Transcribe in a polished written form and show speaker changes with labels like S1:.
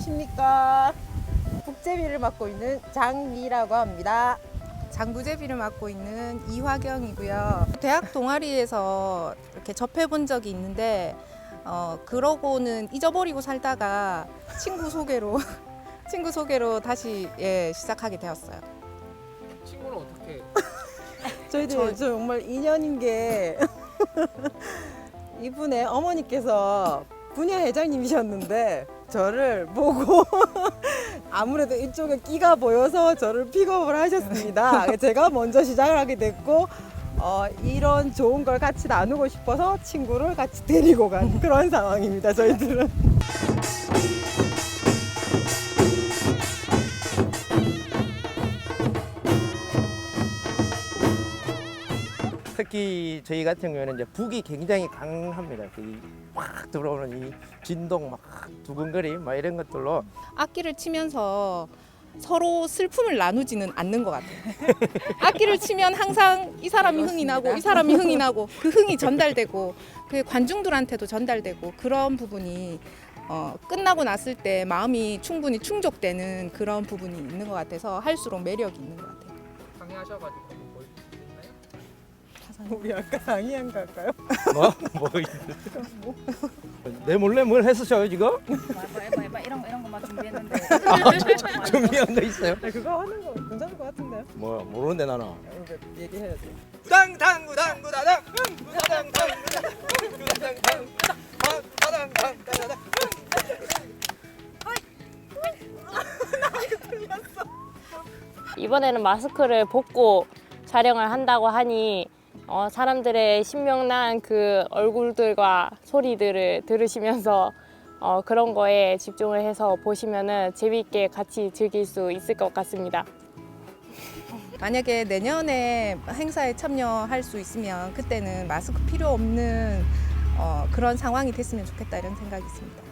S1: 안녕하십니까. 국제비를 맡고 있는 장미라고 합니다.
S2: 장부제비를 맡고 있는 이화경이고요. 대학 동아리에서 이렇게 접해본 적이 있는데 그러고는 잊어버리고 살다가 친구 소개로 다시 시작하게 되었어요.
S3: 친구는 어떻게?
S1: 저희들 정말 인연인 게 이분의 어머니께서 분야 회장님이셨는데 저를 보고 아무래도 이쪽에 끼가 보여서 저를 픽업을 하셨습니다. 제가 먼저 시작을 하게 됐고 이런 좋은 걸 같이 나누고 싶어서 친구를 같이 데리고 간 그런 상황입니다. 저희들은.
S3: 특히 저희 같은 경우에는 이제 북이 굉장히 강합니다. 확 들어오는 이 진동 막 두근거림 막 이런 것들로
S2: 악기를 치면서 서로 슬픔을 나누지는 않는 것 같아요. 악기를 치면 항상 이 사람이 흥이 나고 이 사람이 흥이 나고 그 흥이 전달되고 그 관중들한테도 전달되고 그런 부분이 끝나고 났을 때 마음이 충분히 충족되는 그런 부분이 있는 것 같아서 할수록 매력이 있는 것 같아요.
S3: 강의하셔가지고 뭐 있나요?
S1: 우리 아까 강의한 거 할까요?
S3: 내 몰래 뭘 했으셔요 지금?
S4: 해봐 이런 거만 준비했는데.
S3: 준비한 거 있어요?
S1: 그거 하는 거 괜찮을 것 같은데요?
S3: 뭐 모르는데 나는.
S1: 이거 얘기해야 돼.
S3: 구당구당구당구다당 구당당구다당
S5: 이번에는 마스크를 벗고 촬영을 한다고 하니 사람들의 신명난 그 얼굴들과 소리들을 들으시면서 그런 거에 집중을 해서 보시면은 재미있게 같이 즐길 수 있을 것 같습니다.
S2: 만약에 내년에 행사에 참여할 수 있으면 그때는 마스크 필요 없는 그런 상황이 됐으면 좋겠다 이런 생각이 있습니다.